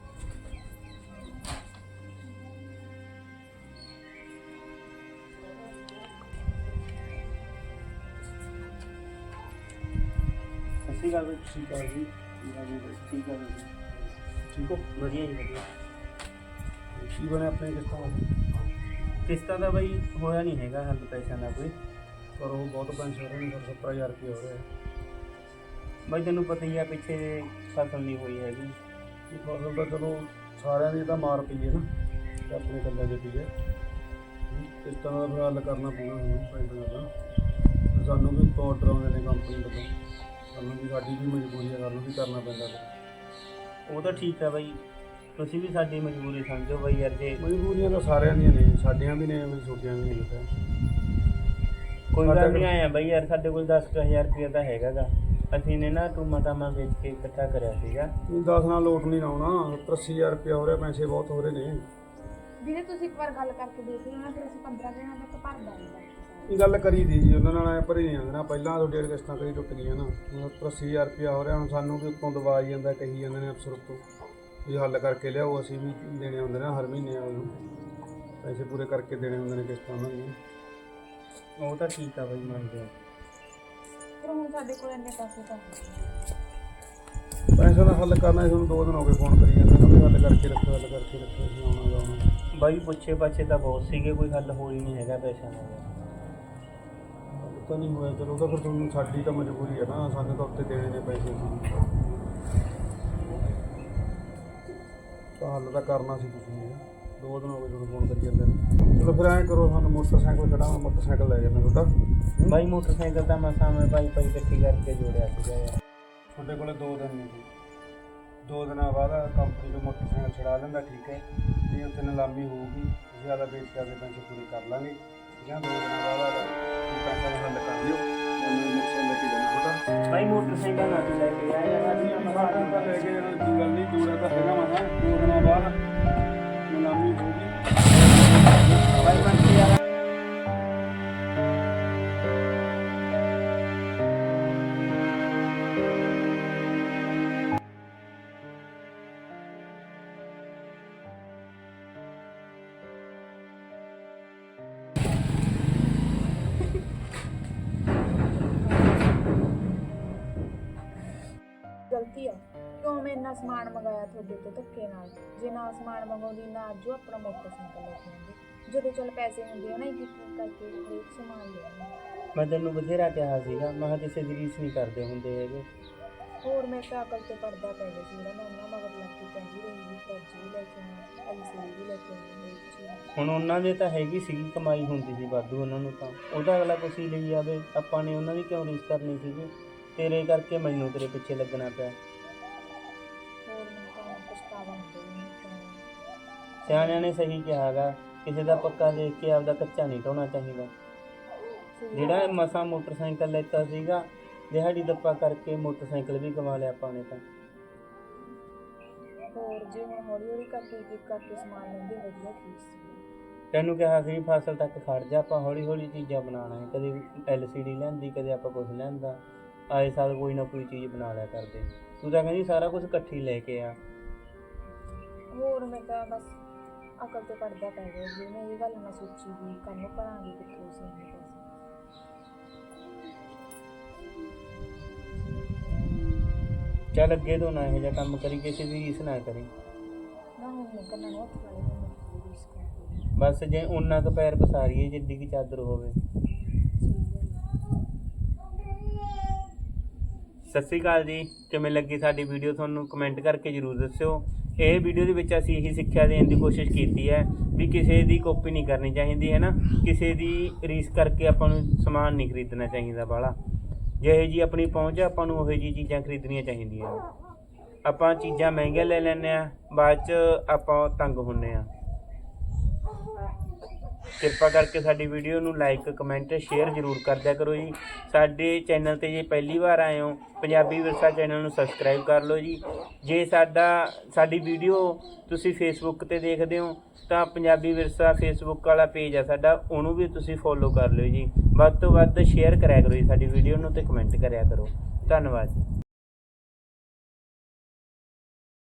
[SPEAKER 1] ਸੱਚੀ ਗੱਲ ਵਿੱਚ
[SPEAKER 4] ਠੀਕ ਆ ਜੀ।
[SPEAKER 1] ਠੀਕ ਹੈ ਜੀ,
[SPEAKER 4] ਠੀਕ ਹੋ?
[SPEAKER 1] ਵਧੀਆ ਜੀ ਵਧੀਆ।
[SPEAKER 4] ਕੀ ਬਣਿਆ ਆਪਣੇ ਕਿਸ਼ਤਾਂ ਦਾ?
[SPEAKER 1] ਕਿਸ਼ਤਾਂ ਦਾ ਬਈ ਹੋਇਆ ਨਹੀਂ ਹੈਗਾ ਹੱਲ ਪੈਸਿਆਂ ਦਾ ਕੋਈ।
[SPEAKER 4] ਪਰ ਉਹ ਬਹੁਤ ਪੈਸੇ ਹੋ ਰਹੇ ਨੇ, ਸੱਤਰ ਹਜ਼ਾਰ ਰੁਪਏ ਹੋ ਰਿਹਾ।
[SPEAKER 1] ਬਈ ਤੈਨੂੰ ਪਤਾ ਹੀ ਆ, ਪਿੱਛੇ ਫਸਲ ਨਹੀਂ ਹੋਈ ਹੈਗੀ।
[SPEAKER 4] ਫਸਲ ਤਾਂ ਚਲੋ ਸਾਰਿਆਂ ਦੀ ਤਾਂ ਮਾਰ ਪਈ ਹੈ ਨਾ, ਤੇ ਆਪਣੇ ਕੱਲੇ ਦੀ ਪਈ ਹੈ। ਕਿਸ਼ਤਾਂ ਦਾ ਫਿਰ ਹੱਲ ਕਰਨਾ ਪਊਗਾ ਹੁਣ ਪੈਸੇ ਦਾ। ਸਾਨੂੰ ਵੀ ਉੱਤੋਂ ਆਰਡਰ ਆਉਂਦੇ ਨੇ ਕੰਪਨੀ ਵੱਲੋਂ, ਸਾਨੂੰ ਵੀ ਸਾਡੀ ਵੀ ਮਜਬੂਰੀ ਹੈ, ਸਾਨੂੰ ਵੀ ਕਰਨਾ ਪੈਂਦਾ ਫਿਰ।
[SPEAKER 1] ਉਹ ਤਾਂ ਠੀਕ ਹੈ ਬਾਈ, ਤੁਸੀਂ ਵੀ ਸਾਡੀ ਮਜਬੂਰੀ ਸਮਝੋ ਬਾਈ ਯਾਰ। ਜੇ
[SPEAKER 4] ਮਜਬੂਰੀਆਂ ਤਾਂ ਸਾਰਿਆਂ ਦੀਆਂ ਨੇ, ਸਾਡੀਆਂ ਵੀ ਨੇ, ਮੇਰੀ ਛੋਟੀਆਂ ਵੀ ਨੇ।
[SPEAKER 1] ਕੋਈ ਗੱਲ ਨਹੀਂ ਆਇਆ ਬਾਈ ਯਾਰ, ਸਾਡੇ ਕੋਲ ਦਸ ਕੁ ਹਜ਼ਾਰ ਰੁਪਇਆ ਤਾਂ ਹੈਗਾ ਗਾ। ਅਸੀਂ ਨੇ ਨਾ ਟੂਮਾ ਟਾਮਾ ਵੇਚ ਕੇ ਇਕੱਠਾ ਕਰਿਆ ਸੀਗਾ।
[SPEAKER 4] ਦਸ ਨਾਲ ਲੋਟ ਨਹੀਂ ਲਾਉਣਾ, ਸੱਤਰ ਅੱਸੀ ਹਜ਼ਾਰ ਰੁਪਇਆ ਹੋ ਰਿਹਾ, ਪੈਸੇ ਬਹੁਤ ਹੋ ਰਹੇ ਨੇ।
[SPEAKER 2] ਵੀਰੇ ਤੁਸੀਂ ਇੱਕ ਵਾਰ ਗੱਲ ਕਰਕੇ ਦੇਖ ਲਓ ਨਾ, ਫਿਰ ਅਸੀਂ ਪੰਦਰਾਂ ਦਿਨਾਂ ਤੱਕ ਭਰ ਦਾਂਗੇ।
[SPEAKER 4] ਇਹ ਗੱਲ ਕਰੀ ਦੀ ਜੀ ਉਹਨਾਂ ਨਾਲ, ਐ ਭਰੀ ਨਹੀਂ ਜਾਂਦੇ ਨਾ, ਪਹਿਲਾਂ ਤੋਂ ਡੇਢ ਕਿਸ਼ਤਾਂ ਕਰੀ ਟੁੱਟ ਗਈਆਂ ਨਾ, ਹੁਣ ਸੱਤਰ ਅੱਸੀ ਹਜ਼ਾਰ ਰੁਪਇਆ ਹੋ ਰਿਹਾ। ਹੁਣ ਸਾਨੂੰ ਵੀ ਉੱਤੋਂ ਦਵਾ ਹੀ ਜਾਂਦਾ, ਕਹੀ ਜਾਂਦੇ ਨੇ ਅਫਸਰ ਉੱਤੋਂ ਵੀ ਹੱਲ ਕਰਕੇ ਲਿਆਓ, ਅਸੀਂ ਵੀ ਦੇਣੇ ਹੁੰਦੇ ਨੇ ਹਰ ਮਹੀਨੇ ਉਹਨੂੰ ਪੈਸੇ ਪੂਰੇ ਕਰਕੇ ਦੇਣੇ ਹੁੰਦੇ ਨੇ ਕਿਸ਼ਤਾਂ ਉਹਨਾਂ ਦੀਆਂ।
[SPEAKER 1] ਉਹ ਤਾਂ ਠੀਕ ਆ ਬਾਈ, ਮੰਨਦੇ ਆ।
[SPEAKER 2] ਪਰ ਹੁਣ ਸਾਡੇ ਕੋਲ ਇੰਨੇ ਪੈਸੇ ਤਾਂ
[SPEAKER 4] ਪੈਸੇ ਦਾ ਹੱਲ ਕਰਨਾ, ਤੁਹਾਨੂੰ ਦੋ ਦਿਨ ਹੋ ਗਏ ਫੋਨ ਕਰੀ ਜਾਂਦੇ ਨੇ, ਹੱਲ ਕਰਕੇ ਰੱਖੋ, ਹੱਲ ਕਰਕੇ ਰੱਖੋ, ਅਸੀਂ ਆਉਣਾ ਜਾਣਾ।
[SPEAKER 1] ਬਾਈ ਪੁੱਛੇ ਪਾਛੇ ਤਾਂ ਬਹੁਤ ਸੀਗੇ, ਕੋਈ ਹੱਲ ਹੋ ਹੀ ਨਹੀਂ ਹੈਗਾ ਪੈਸਿਆਂ ਦਾ।
[SPEAKER 4] ਤਾਂ ਨਹੀਂ ਹੋਇਆ, ਚਲੋ ਤਾਂ ਫਿਰ ਤੁਹਾਨੂੰ ਸਾਡੀ ਤਾਂ ਮਜਬੂਰੀ ਹੈ ਨਾ, ਸਾਨੂੰ ਤਾਂ ਉੱਤੇ ਦੇਣੇ ਨੇ ਪੈਸੇ। ਅਸੀਂ ਤਾਂ ਹੱਲ ਤਾਂ ਕਰਨਾ ਸੀ ਤੁਸੀਂ ਨੇ, ਦੋ ਦਿਨ ਹੋ ਗਏ ਤੁਹਾਨੂੰ ਫੋਨ ਕਰੀ ਜਾਂਦੇ ਨੇ। ਚਲੋ ਫਿਰ ਐਂ ਕਰੋ, ਸਾਨੂੰ ਮੋਟਰਸਾਈਕਲ ਖੜਾ, ਮੋਟਰਸਾਈਕਲ ਲੈ ਜਾਂਦਾ ਤੁਹਾਡਾ।
[SPEAKER 1] ਬਾਈ ਮੋਟਰਸਾਈਕਲ ਤਾਂ ਮੈਂ ਸਾਹਮਣੇ ਬਾਈ ਪਾਈ ਇਕੱਠੀ ਕਰਕੇ ਜੋੜਿਆ ਸੀਗਾ ਯਾਰ।
[SPEAKER 4] ਤੁਹਾਡੇ ਕੋਲੇ ਦੋ ਦਿਨ ਨਹੀਂ ਜੀ, ਦੋ ਦਿਨਾਂ ਬਾਅਦ ਕੰਪਨੀ ਤੋਂ ਮੋਟਰਸਾਈਕਲ ਛੁਡਾ ਲੈਂਦਾ, ਠੀਕ ਹੈ ਜੀ। ਉੱਥੇ ਨਿਲਾਮੀ ਹੋਊਗੀ, ਅਸੀਂ ਜ਼ਿਆਦਾ ਵੇਚ ਕੇ ਆਪਦੇ ਪੈਸੇ ਪੂਰੇ ਕਰ ਲਾਂਗੇ, ਠੀਕ ਹੈ। ਦੋ ਦਿਨਾਂ ਬਾਅਦ ਪੈਸਾ ਦਾ ਹੱਲ ਕਰ ਲਿਓ, ਉਹਨੂੰ ਮੋਟਰਸਾਈਕਲ ਲੈ ਕੇ ਜਾਣਾ ਤੁਹਾਡਾ।
[SPEAKER 1] ਬਾਈ ਮੋਟਰਸਾਈਕਲ ਨਾ ਤੂੰ ਲੈ ਕੇ ਆਇਆ ਯਾਰ, ਅਸੀਂ
[SPEAKER 4] ਤਾਂ ਲੈ ਕੇ ਜਾਣਾ, ਕੋਈ ਗੱਲ ਨਹੀਂ, ਜੋੜਿਆ ਤਾਂ ਹੈਗਾ ਮਸਾਂ। ਦੋ ਦਿਨਾਂ ਬਾਅਦ ਨਿਲਾਮੀ ਹੋਊਗੀ।
[SPEAKER 1] ਬਾਈ ਬੰਦੇ ਯਾਰ
[SPEAKER 2] ਗਲਤੀ ਆ ਕਿਉਂ ਮੈਂ ਇੰਨਾ ਸਮਾਨ ਮੰਗਾਇਆ ਤੁਹਾਡੇ ਤੋਂ ਧੱਕੇ ਨਾਲ। ਜੇ ਨਾ ਸਮਾਨ ਮੰਗਾਉਂਦੀ ਨਾ ਅੱਜ ਉਹ ਆਪਣਾ ਮੋਟਰਸਾਈਕਲ ਲੈ ਕੇ ਆਉਂਦੇ। ਜਦੋਂ ਚੱਲ ਪੈਸੇ ਹੁੰਦੇ ਆ ਨਾ, ਇੱਕ ਇੱਕ ਕਰਕੇ ਹਰੇਕ ਸਮਾਨ ਲੈ ਆਉਂਦੇ।
[SPEAKER 1] ਮੈਂ ਤੈਨੂੰ ਬਥੇਰਾ ਕਿਹਾ ਸੀਗਾ, ਮੈਂ ਕਿਹਾ ਕਿਸੇ ਦੀ ਰੀਸ ਨਹੀਂ ਕਰਦੇ ਹੁੰਦੇ ਹੈਗੇ।
[SPEAKER 2] ਹੋਰ ਮੈਂ ਤਾਂ ਅਕਲ ਤੇ ਪੜਦਾ ਪੈ ਗਿਆ ਸੀ, ਜਿਹੜਾ ਮੈਂ ਉਹਨਾਂ ਮਗਰ ਲੱਗ ਕੇ ਕਹਿੰਦੀ ਰਹੀ ਵੀ ਫਰਜ਼ ਵੀ ਲੈ ਕੇ ਆਉਣਾ, ਐਲ ਸੀ ਵੀ ਲੈ ਕੇ ਆਉਣੀ, ਹਰੇਕ ਚੀਜ਼।
[SPEAKER 1] ਹੁਣ ਉਹਨਾਂ ਦੇ ਤਾਂ ਹੈਗੀ ਸੀਗੀ ਕਮਾਈ ਹੁੰਦੀ ਸੀ ਵਾਧੂ ਉਹਨਾਂ ਨੂੰ, ਤਾਂ ਉਹਦਾ ਅਗਲਾ ਕੁਛ ਹੀ ਲਈ ਜਾਵੇ। ਆਪਾਂ ਨੇ ਉਹਨਾਂ ਦੀ ਕਿਉਂ ਰੀਸ ਕਰਨੀ ਸੀਗੀ? ਤੇਰੇ ਕਰਕੇ ਮੈਨੂੰ ਤੇਰੇ ਪਿੱਛੇ ਲੱਗਣਾ ਪਿਆ।
[SPEAKER 2] ਹੋਰ ਮੈਨੂੰ ਤਾਂ ਪਛਤਾਵਾ ਹੁੰਦਾ ਹੀ ਨਹੀਂ।
[SPEAKER 1] ਸਿਆਣਿਆਂ ਨੇ ਸਹੀ ਕਿਹਾ ਗਾ, ਕਿਸੇ ਦਾ ਪੱਕਾ ਦੇਖ ਕੇ ਆਪਦਾ ਕੱਚਾ ਨਹੀਂ ਢਾਉਣਾ ਚਾਹੀਦਾ। ਜਿਹੜਾ ਮਸਾਂ ਮੋਟਰਸਾਈਕਲ ਲੈਤਾ ਸੀਗਾ, ਦਿਹਾੜੀ ਦੱਪਾ ਕਰਕੇ ਮੋਟਰਸਾਈਕਲ ਵੀ ਗਵਾ ਲਿਆ ਆਪਾਂ ਨੇ ਤਾਂ।
[SPEAKER 2] ਹੋਰ ਜੇ ਹੁਣ ਹੌਲੀ ਹੌਲੀ ਕਰਕੇ ਇੱਕ ਇੱਕ ਕਰਕੇ ਸਮਾਨ ਲੈਂਦੇ ਵਧੀਆ ਠੀਕ ਸੀ।
[SPEAKER 1] ਤੈਨੂੰ ਕਿਹਾ ਸੀ ਫਸਲ ਤੱਕ ਖੜ ਜਾ, ਆਪਾਂ ਹੌਲੀ ਹੌਲੀ ਚੀਜ਼ਾਂ ਬਣਾਉਣਾ ਹੈ। ਕਦੇ ਐਲ ਸੀ ਡੀ ਲੈਂਦੀ, ਕਦੇ ਆਪਾਂ ਕੁਛ ਲੈਂਦਾ, ਆਏ ਸਾਲ ਕੋਈ ਨਾ ਕੋਈ ਚੀਜ਼ ਬਣਾ ਲਿਆ ਕਰਦੇ। ਤੂੰ ਤਾਂ ਕਹਿੰਦੀ ਸਾਰਾ ਕੁਝ ਇਕੱਠੀ ਲੈ ਕੇ ਆ।
[SPEAKER 2] ਹੋਰ ਮੈਂ ਤਾਂ ਬਸ ਅਕਲ ਤੇ ਪੜਦਾ ਪੈ ਗਿਆ ਜੀ। ਮੈਂ ਇਹ ਗੱਲ ਨਾ ਸੋਚੀ ਵੀ ਕੱਲ ਨੂੰ ਭਰਾਂਗੇ ਕਿੱਥੋਂ ਸੀ ਇੰਨੇ ਪੈਸੇ।
[SPEAKER 1] ਚੱਲ ਅੱਗੇ ਤੋਂ ਨਾ ਇਹੋ ਜਿਹਾ ਕੰਮ ਕਰੀ, ਕਿਸੇ ਦੀ ਰੀਸ ਨਾ ਕਰੀ।
[SPEAKER 2] ਨਾ ਹੁਣ ਮੈਂ ਕੰਨਾਂ ਨੂੰ ਹੱਥ ਵਾਲੇ ਨੂੰ ਮੇਰੀ ਰੀਸ ਕਰਦੀ।
[SPEAKER 1] ਬਸ ਜੇ ਉਹਨਾਂ ਕੁ ਪੈਰ ਪਸਾਰੀਏ ਜਿੱਡੀ ਕੀ ਚਾਦਰ ਹੋਵੇ। ਸਤਿ ਸ਼੍ਰੀ ਅਕਾਲ ਜੀ, ਕਿਵੇਂ ਲੱਗੀ ਸਾਡੀ ਵੀਡੀਓ ਤੁਹਾਨੂੰ ਕਮੈਂਟ ਕਰਕੇ ਜ਼ਰੂਰ ਦੱਸਿਓ। ਇਹ ਵੀਡੀਓ ਦੇ ਵਿੱਚ ਅਸੀਂ ਇਹੀ ਸਿੱਖਿਆ ਦੇਣ ਦੀ ਕੋਸ਼ਿਸ਼ ਕੀਤੀ ਹੈ ਵੀ ਕਿਸੇ ਦੀ ਕਾਪੀ ਨਹੀਂ ਕਰਨੀ ਚਾਹੀਦੀ ਹੈ ਨਾ, ਕਿਸੇ ਦੀ ਰੀਸ ਕਰਕੇ ਆਪਾਂ ਨੂੰ ਸਮਾਨ ਨਹੀਂ ਖਰੀਦਣਾ ਚਾਹੀਦਾ ਬਾਹਲਾ। ਜਿਹੇ ਜੀ ਆਪਣੀ ਪਹੁੰਚ ਆ, ਆਪਾਂ ਨੂੰ ਉਹੋ ਜਿਹੀ ਚੀਜ਼ਾਂ ਖਰੀਦਣੀਆਂ ਚਾਹੀਦੀਆਂ। ਆਪਾਂ ਚੀਜ਼ਾਂ ਮਹਿੰਗੀਆਂ ਲੈ ਲੈਂਦੇ ਹਾਂ, ਬਾਅਦ 'ਚ ਆਪਾਂ ਤੰਗ ਹੁੰਦੇ ਹਾਂ। ਕਿਰਪਾ ਕਰਕੇ ਸਾਡੀ ਵੀਡੀਓ ਨੂੰ ਲਾਈਕ ਕਮੈਂਟ ਸ਼ੇਅਰ ਜ਼ਰੂਰ ਕਰ ਦਿਆ ਕਰੋ ਜੀ। ਸਾਡੇ ਚੈਨਲ 'ਤੇ ਜੇ ਪਹਿਲੀ ਵਾਰ ਆਏ ਹੋ, ਪੰਜਾਬੀ ਵਿਰਸਾ ਚੈਨਲ ਨੂੰ ਸਬਸਕ੍ਰਾਈਬ ਕਰ ਲਓ ਜੀ। ਜੇ ਸਾਡਾ ਸਾਡੀ ਵੀਡੀਓ ਤੁਸੀਂ ਫੇਸਬੁੱਕ 'ਤੇ ਦੇਖਦੇ ਹੋ ਤਾਂ ਪੰਜਾਬੀ ਵਿਰਸਾ ਫੇਸਬੁੱਕ ਵਾਲਾ ਪੇਜ ਆ ਸਾਡਾ, ਉਹਨੂੰ ਵੀ ਤੁਸੀਂ ਫੋਲੋ ਕਰ ਲਿਓ ਜੀ। ਵੱਧ ਤੋਂ ਵੱਧ ਸ਼ੇਅਰ ਕਰਿਆ ਕਰੋ ਜੀ ਸਾਡੀ ਵੀਡੀਓ ਨੂੰ, ਅਤੇ ਕਮੈਂਟ ਕਰਿਆ ਕਰੋ। ਧੰਨਵਾਦ ਜੀ।